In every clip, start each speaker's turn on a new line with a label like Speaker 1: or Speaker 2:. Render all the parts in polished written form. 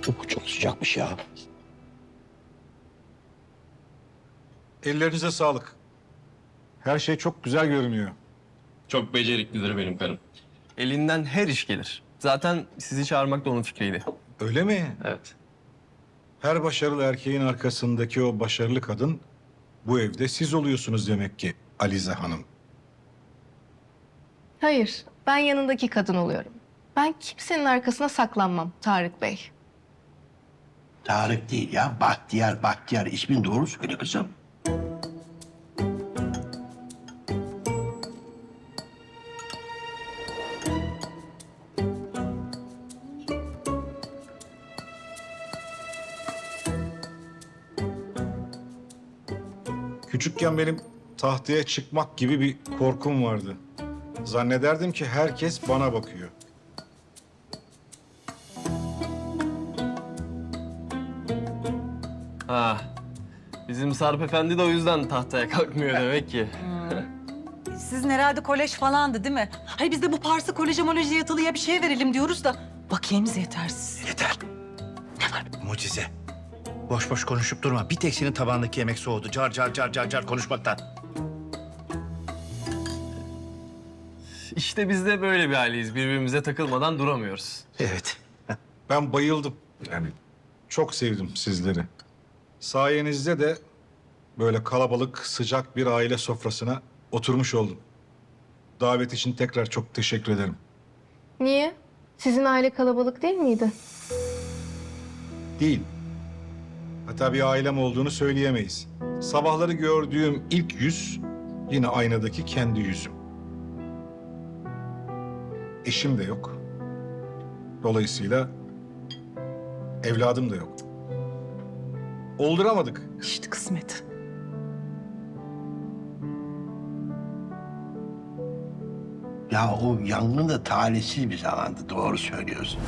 Speaker 1: Çok sıcakmış ya.
Speaker 2: Ellerinize sağlık. Her şey çok güzel görünüyor.
Speaker 3: Çok beceriklidir benim karım. Elinden her iş gelir. Zaten sizi çağırmak da onun fikriydi.
Speaker 2: Öyle mi?
Speaker 3: Evet.
Speaker 2: Her başarılı erkeğin arkasındaki o başarılı kadın bu evde siz oluyorsunuz demek ki Alize Hanım.
Speaker 4: Hayır, ben yanındaki kadın oluyorum. Ben kimsenin arkasına saklanmam Tarık Bey.
Speaker 1: Tarık değil ya, Bahtiyar, Bahtiyar. İsmin doğru söyle kızım.
Speaker 2: Küçükken benim tahtaya çıkmak gibi bir korkum vardı. Zannederdim ki herkes bana bakıyor.
Speaker 3: Ha. Bizim Sarp Efendi de o yüzden tahtaya kalkmıyor demek ki.
Speaker 5: Sizin herhalde kolej falandı değil mi? Hayır biz de bu Pars'ı koleje moleje yatılıya bir şey verelim diyoruz da bakiyemiz yetersiz.
Speaker 6: Yeter. Ne var? Mucize. Boş boş konuşup durma. Bir tek senin tabağındaki yemek soğudu. Car car car car car konuşmaktan.
Speaker 3: İşte biz de böyle bir aileyiz. Birbirimize takılmadan duramıyoruz.
Speaker 6: Evet.
Speaker 2: Ben bayıldım. Yani çok sevdim sizleri. Sayenizde de böyle kalabalık, sıcak bir aile sofrasına oturmuş oldum. Davet için tekrar çok teşekkür ederim.
Speaker 4: Niye? Sizin aile kalabalık değil miydi?
Speaker 2: Değil. Hatta bir ailem olduğunu söyleyemeyiz. Sabahları gördüğüm ilk yüz yine aynadaki kendi yüzüm. Eşim de yok. Dolayısıyla evladım da yok. Olduramadık.
Speaker 5: İşte kısmet.
Speaker 1: Ya o yangın da talihsiz bir zamandı. Doğru söylüyorsun.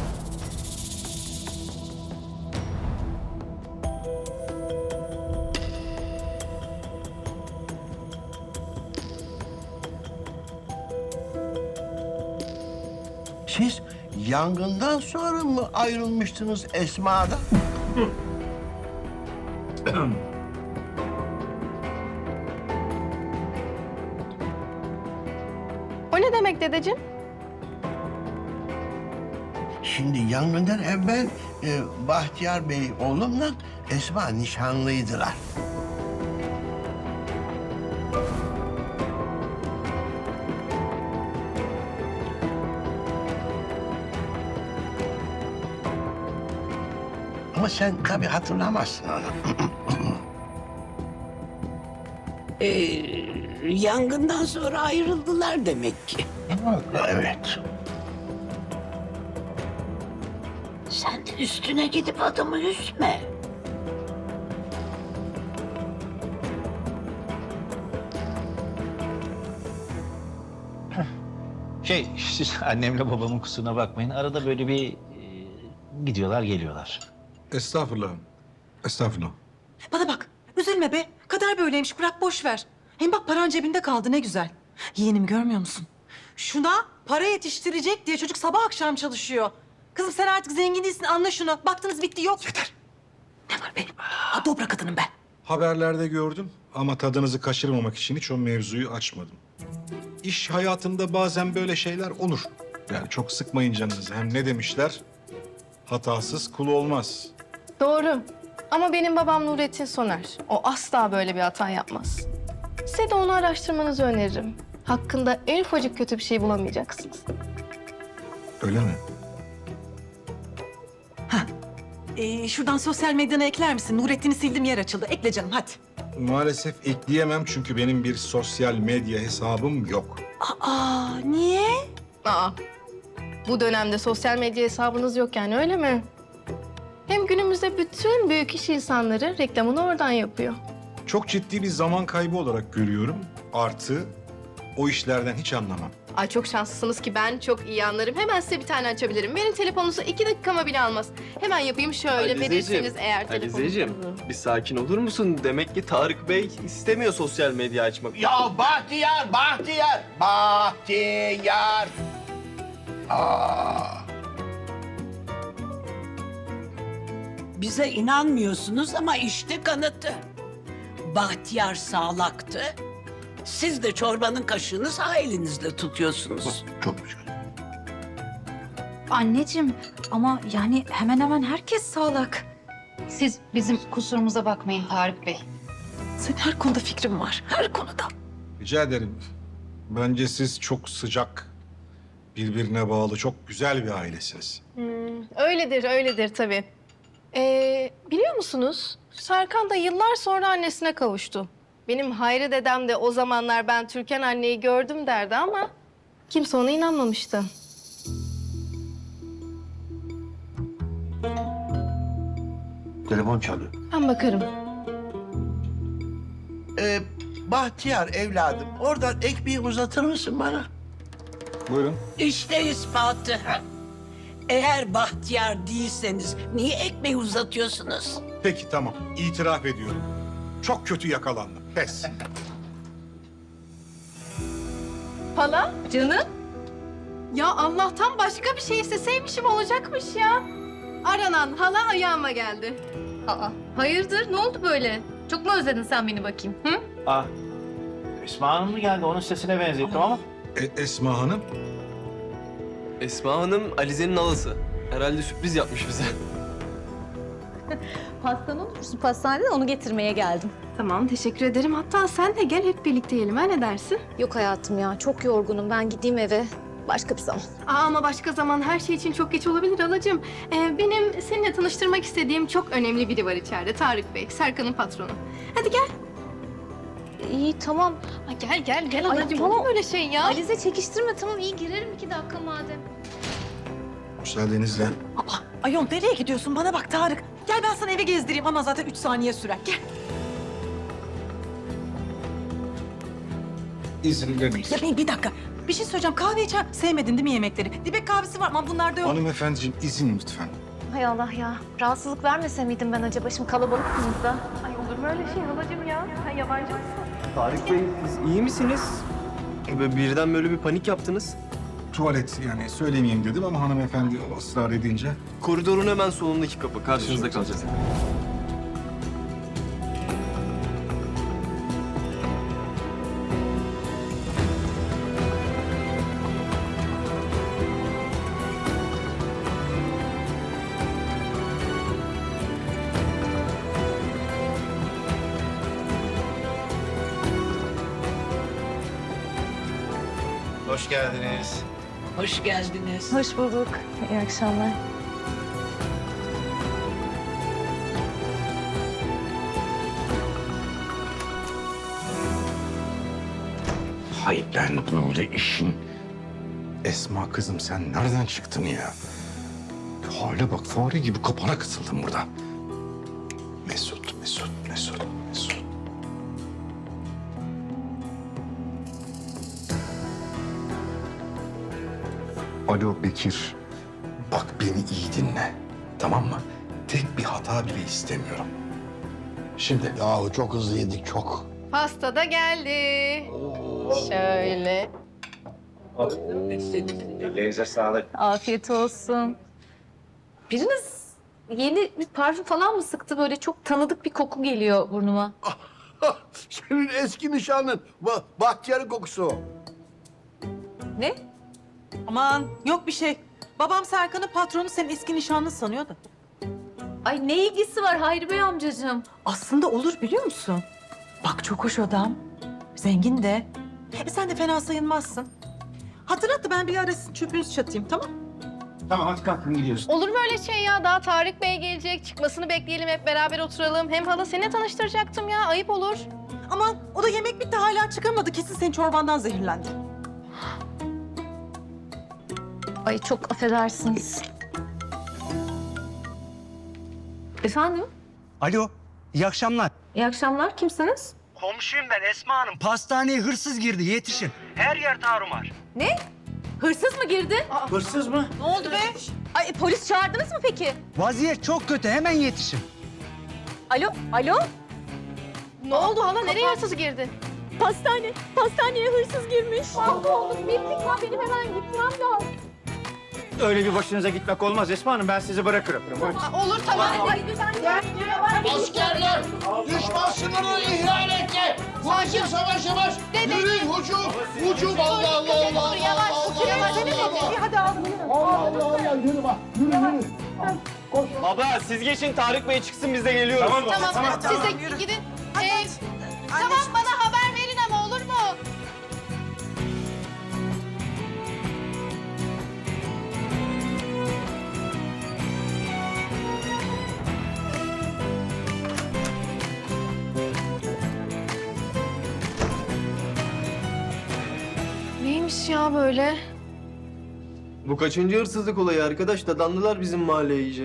Speaker 1: Siz yangından sonra mı ayrılmıştınız Esma'dan?
Speaker 4: O ne demek dedeciğim?
Speaker 1: Şimdi yangından evvel Bahtiyar Bey oğlumla Esma nişanlıydılar. Ama sen tabii hatırlamazsın onu.
Speaker 7: Yangından sonra ayrıldılar demek ki.
Speaker 1: Evet.
Speaker 7: Sen de üstüne gidip adamı üzme.
Speaker 6: Siz annemle babamın kusuruna bakmayın. Arada böyle bir gidiyorlar geliyorlar.
Speaker 2: Estağfurullah. Estağfurullah.
Speaker 5: Bana bak üzülme be. Kader böyleymiş bırak boş ver. Hem bak paran cebinde kaldı ne güzel. Yeğenim görmüyor musun? Şuna para yetiştirecek diye çocuk sabah akşam çalışıyor. Kızım sen artık zengin değilsin anla şunu. Baktınız bitti yok. Yeter. Ne var benim? Ha dobra kadınım ben.
Speaker 2: Haberlerde gördüm ama tadınızı kaçırmamak için hiç o mevzuyu açmadım. İş hayatında bazen böyle şeyler olur. Yani çok sıkmayın canınızı. Hem ne demişler? Hatasız kul olmaz.
Speaker 4: Doğru. Ama benim babam Nurettin Soner. O asla böyle bir hata yapmaz. Size de onu araştırmanızı öneririm. Hakkında en ufacık kötü bir şey bulamayacaksınız.
Speaker 2: Öyle mi?
Speaker 5: Şuradan sosyal medyana ekler misin? Nurettin'i sildim yer açıldı. Ekle canım hadi.
Speaker 2: Maalesef ekleyemem çünkü benim bir sosyal medya hesabım yok.
Speaker 5: Aa niye?
Speaker 4: Aa, bu dönemde sosyal medya hesabınız yok yani öyle mi? Hem günümüzde bütün büyük iş insanları reklamını oradan yapıyor.
Speaker 2: Çok ciddi bir zaman kaybı olarak görüyorum. Artı o işlerden hiç anlamam.
Speaker 4: Ay çok şanslısınız ki ben çok iyi anlarım. Hemen size bir tane açabilirim. Benim telefonunuzu 2 dakikama bile almaz. Hemen yapayım şöyle verirseniz eğer telefonunuzu.
Speaker 3: Alizeciğim, bir sakin olur musun? Demek ki Tarık Bey istemiyor sosyal medya açmak.
Speaker 1: Ya Bahtiyar, Bahtiyar, Bahtiyar. Aa.
Speaker 7: Bize inanmıyorsunuz ama işte kanıtı. Bahtiyar sağlaktı. Siz de çorbanın kaşığını sağ elinizle tutuyorsunuz.
Speaker 1: Çok güzel.
Speaker 8: Anneciğim ama yani hemen hemen herkes sağlak. Siz bizim kusurumuza bakmayın Tarık Bey.
Speaker 5: Senin her konuda fikrin var. Her konuda.
Speaker 2: Rica ederim. Bence siz çok sıcak, birbirine bağlı, çok güzel bir ailesiniz.
Speaker 4: Öyledir, öyledir tabii. Biliyor musunuz? Serkan da yıllar sonra annesine kavuştu. Benim Hayri dedem de o zamanlar ben Türkan anneyi gördüm derdi ama kimse ona inanmamıştı.
Speaker 1: Telefon çalıyor.
Speaker 4: Ben bakarım.
Speaker 1: Bahtiyar evladım, oradan ekmeği uzatır mısın bana?
Speaker 2: Buyurun.
Speaker 7: İşte ispatı. Eğer bahtiyar değilseniz niye ekmeği uzatıyorsunuz?
Speaker 2: Peki tamam, itiraf ediyorum. Çok kötü yakalandım. Pes.
Speaker 4: Hala? Canım? Ya Allah'tan başka bir şey isteseymişim olacakmış ya. Aranan hala ayağıma geldi.
Speaker 8: Aa, hayırdır? Ne oldu böyle? Çok mu özledin sen beni bakayım? Hı?
Speaker 6: Ah, Esma Hanım mı geldi? Onun sesine benzettim ama.
Speaker 2: Esma Hanım,
Speaker 3: Esma Hanım Alize'nin halası. Herhalde sürpriz yapmış bize.
Speaker 8: Pastanı unutmuşsun pastaneden onu getirmeye geldim.
Speaker 4: Tamam, teşekkür ederim. Hatta sen de gel hep birlikte yiyelim. Ha, ne dersin?
Speaker 8: Yok hayatım ya çok yorgunum ben gideyim eve. Başka bir zaman.
Speaker 4: Ama başka zaman her şey için çok geç olabilir halacığım. Benim seninle tanıştırmak istediğim çok önemli biri var içeride. Tarık Bey, Serkan'ın patronu. Hadi gel.
Speaker 8: İyi tamam.
Speaker 4: Ha, gel
Speaker 8: Ay,
Speaker 4: halacığım.
Speaker 8: tamam.
Speaker 4: Olur mu öyle şey ya?
Speaker 8: Alize çekiştirme tamam iyi girerim 2 dakika madem.
Speaker 2: müsaadenizle.
Speaker 5: Ayol nereye gidiyorsun? Bana bak Tarık. Gel ben sana evi gezdireyim ama zaten 3 saniye sürer. Gel.
Speaker 2: İzin verir misiniz?
Speaker 5: Ya bir dakika. Bir şey söyleyeceğim. Kahve içer. Sevmedin değil mi yemekleri? Dibek kahvesi var ama bunlarda yok.
Speaker 2: Hanımefendiciğim izin lütfen.
Speaker 8: Hay Allah ya. Rahatsızlık vermese miydim ben acaba? Şimdi kalabalıksınız da.
Speaker 4: Ay olur mu öyle şey halacığım ya? Sen yabancı mısın?
Speaker 3: Tarık Bey, siz iyi misiniz? Birden böyle bir panik yaptınız.
Speaker 2: Tuvalet yani söylemeyeyim dedim ama hanımefendi ısrar edince.
Speaker 3: Koridorun hemen solundaki kapı. Karşınızda kalacağız.
Speaker 6: Hoş geldiniz.
Speaker 7: Hoş geldiniz.
Speaker 8: Hoş bulduk. İyi akşamlar.
Speaker 1: Hayır, ben böyle işin...
Speaker 2: Esma kızım sen nereden çıktın ya? Hale bak fare gibi kapana kısıldım burada. Mesut. Alo Bekir. Bak beni iyi dinle. Tamam mı? Tek bir hata bile istemiyorum. Şimdi
Speaker 1: Yahu çok hızlı yedik, çok.
Speaker 4: Pasta da geldi. Şöyle.
Speaker 6: Ellerinize sağlık.
Speaker 8: Afiyet olsun. Biriniz yeni bir parfüm falan mı sıktı? Böyle çok tanıdık bir koku geliyor burnuma.
Speaker 1: Senin eski nişanlın. Bahtiyar'ın kokusu o.
Speaker 8: Ne?
Speaker 5: Aman yok bir şey. Babam Serkan'ın patronu senin eski nişanlın sanıyordu.
Speaker 8: Ay ne ilgisi var Hayri Bey amcacığım?
Speaker 5: Aslında olur biliyor musun? Bak çok hoş adam. Zengin de. Sen de fena sayılmazsın. Hatırlat da ben bir ara sizin çöpünüzü çatayım tamam?
Speaker 6: Tamam hadi kalkın gidiyoruz.
Speaker 4: Olur mu öyle şey ya? Daha Tarık Bey gelecek. Çıkmasını bekleyelim, hep beraber oturalım. Hem hala seni tanıştıracaktım ya. Ayıp olur.
Speaker 5: Aman o da yemek bitti hala çıkamadı. Kesin senin çorbandan zehirlendi.
Speaker 8: Ay çok affedersiniz. Efendim?
Speaker 9: Alo, iyi akşamlar.
Speaker 8: İyi akşamlar. Kimsiniz?
Speaker 9: Komşuyum ben Esma Hanım. Pastaneye hırsız girdi, yetişin. Her yer tarumar.
Speaker 8: Ne? Hırsız mı girdi?
Speaker 6: Hırsız mı?
Speaker 5: Ne oldu be?
Speaker 8: Ay polis çağırdınız mı peki?
Speaker 9: Vaziyet çok kötü, hemen yetişin.
Speaker 8: Alo?
Speaker 4: Ne oldu hala? Nereye hırsız girdi?
Speaker 8: Pastaneye hırsız girmiş. Mahvolduk, bittik ya. Benim hemen gitmem lazım.
Speaker 6: Öyle bir başınıza gitmek olmaz Esma Hanım. Ben sizi bırakırım.
Speaker 4: Olur tamam.
Speaker 1: Askerler düşman sınırını ihlal etti. Vahşi savaş yavaş. Yürüyün hücum. Hücum Allah Allah Allah Allah.
Speaker 4: Yavaş, yavaş.
Speaker 5: Hadi aldım.
Speaker 3: Baba siz geçin Tarık Bey çıksın biz de geliyoruz.
Speaker 4: Tamam, siz de gidin. Tamam, bana haber verin ama olur mu? Neymiş ya böyle?
Speaker 3: Bu kaçıncı hırsızlık olayı arkadaş? Dadandılar bizim mahalleye iyice.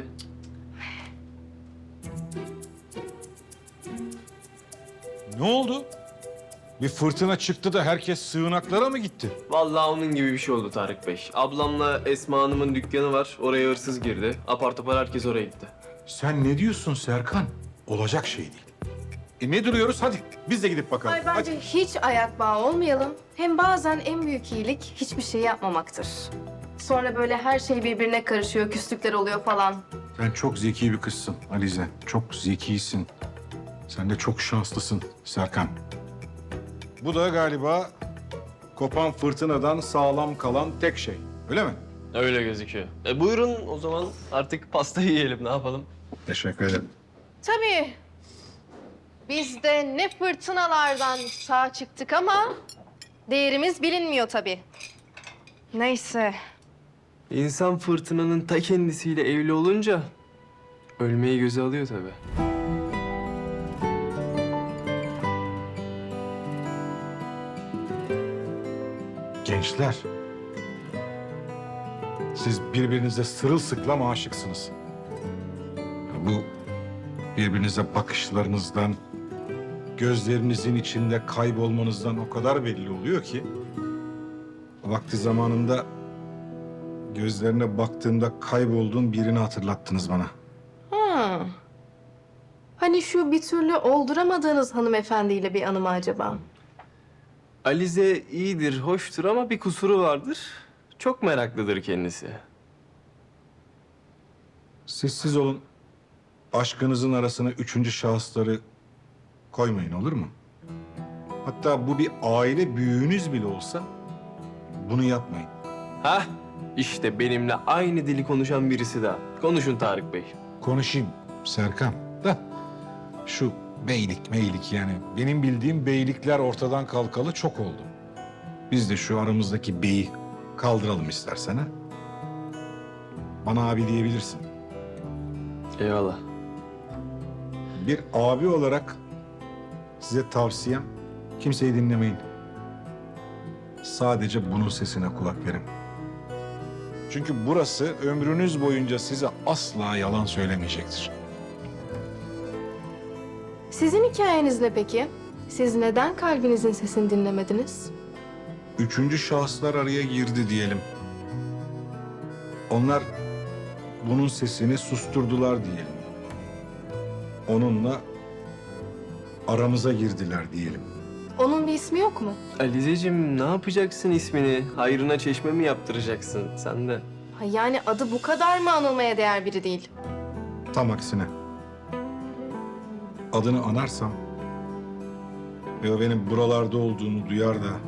Speaker 2: Ne oldu? Bir fırtına çıktı da herkes sığınaklara mı gitti?
Speaker 3: Vallahi onun gibi bir şey oldu Tarık Bey. Ablamla Esma Hanım'ın dükkanı var. Oraya hırsız girdi. Apar topar herkes oraya gitti.
Speaker 2: Sen ne diyorsun Serkan? Olacak şey değil. Ne duruyoruz? Hadi biz de gidip bakalım.
Speaker 4: Ay bence
Speaker 2: Hadi.
Speaker 4: hiç ayak bağı olmayalım. Hem bazen en büyük iyilik hiçbir şey yapmamaktır. Sonra böyle her şey birbirine karışıyor, küslükler oluyor falan.
Speaker 2: Sen çok zeki bir kızsın Alize. Çok zekisin. Sen de çok şanslısın Serkan. Bu da galiba kopan fırtınadan sağlam kalan tek şey. Öyle mi?
Speaker 3: Öyle gözüküyor. Buyurun o zaman artık pastayı yiyelim ne yapalım?
Speaker 2: Teşekkür ederim.
Speaker 4: Tabii. Biz de ne fırtınalardan sağ çıktık ama değerimiz bilinmiyor tabii. Neyse.
Speaker 3: İnsan fırtınanın ta kendisiyle evli olunca ölmeyi göze alıyor tabii.
Speaker 2: Gençler. Siz birbirinize sırılsıklam aşıksınız. Bu birbirinize bakışlarınızdan, gözlerinizin içinde kaybolmanızdan o kadar belli oluyor ki... ...vakti zamanında gözlerine baktığımda kaybolduğum birini hatırlattınız bana.
Speaker 4: Ha. Hani şu bir türlü olduramadığınız hanımefendiyle bir anı mı acaba?
Speaker 3: Alize iyidir, hoştur ama bir kusuru vardır. Çok meraklıdır kendisi.
Speaker 2: Sessiz olun. Aşkınızın arasına üçüncü şahısları koymayın olur mu? Hatta bu bir aile büyüğünüz bile olsa bunu yapmayın.
Speaker 3: Hah, işte benimle aynı dili konuşan birisi daha. Konuşun Tarık Bey.
Speaker 2: Konuşayım Serkan da şu beylik meylik yani benim bildiğim beylikler ortadan kalkalı çok oldu. Biz de şu aramızdaki beyi kaldıralım istersen ha. Bana abi diyebilirsin.
Speaker 3: Eyvallah.
Speaker 2: Bir abi olarak size tavsiyem kimseyi dinlemeyin. Sadece bunun sesine kulak verin. Çünkü burası ömrünüz boyunca size asla yalan söylemeyecektir.
Speaker 4: Sizin hikayeniz ne peki? Siz neden kalbinizin sesini dinlemediniz?
Speaker 2: Üçüncü şahıslar araya girdi diyelim. Onlar bunun sesini susturdular diyelim. Onunla aramıza girdiler diyelim.
Speaker 4: Onun bir ismi yok mu?
Speaker 3: Alizeciğim ne yapacaksın ismini? Hayrına çeşme mi yaptıracaksın sen de?
Speaker 4: Ha, yani adı bu kadar mı anılmaya değer biri değil?
Speaker 2: Tam aksine. Adını anarsam ve o benim buralarda olduğunu duyar da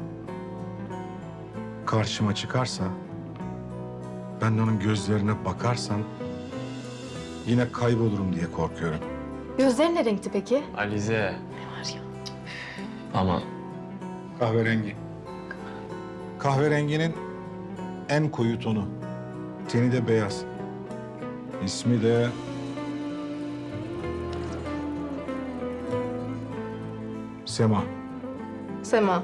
Speaker 2: karşıma çıkarsa, ben de onun gözlerine bakarsam yine kaybolurum diye korkuyorum.
Speaker 4: Gözleri ne renkti peki?
Speaker 3: Alize. Ne var ya? Ama
Speaker 2: Kahverengi. Kahverenginin en koyu tonu. Teni de beyaz. İsmi de... Sema.
Speaker 4: Sema.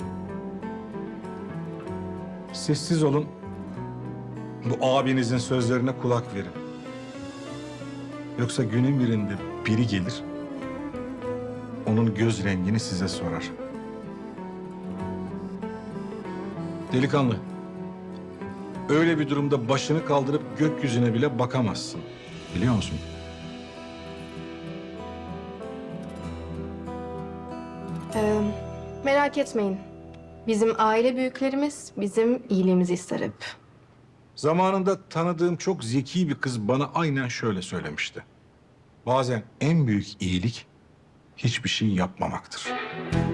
Speaker 2: Sessiz olun. Bu abinizin sözlerine kulak verin. Yoksa günün birinde biri gelir, onun göz rengini size sorar. Delikanlı, öyle bir durumda başını kaldırıp gökyüzüne bile bakamazsın. Biliyor musun?
Speaker 4: Merak etmeyin. Bizim aile büyüklerimiz bizim iyiliğimizi ister hep.
Speaker 2: Zamanında tanıdığım çok zeki bir kız bana aynen şöyle söylemişti. Bazen en büyük iyilik hiçbir şey yapmamaktır.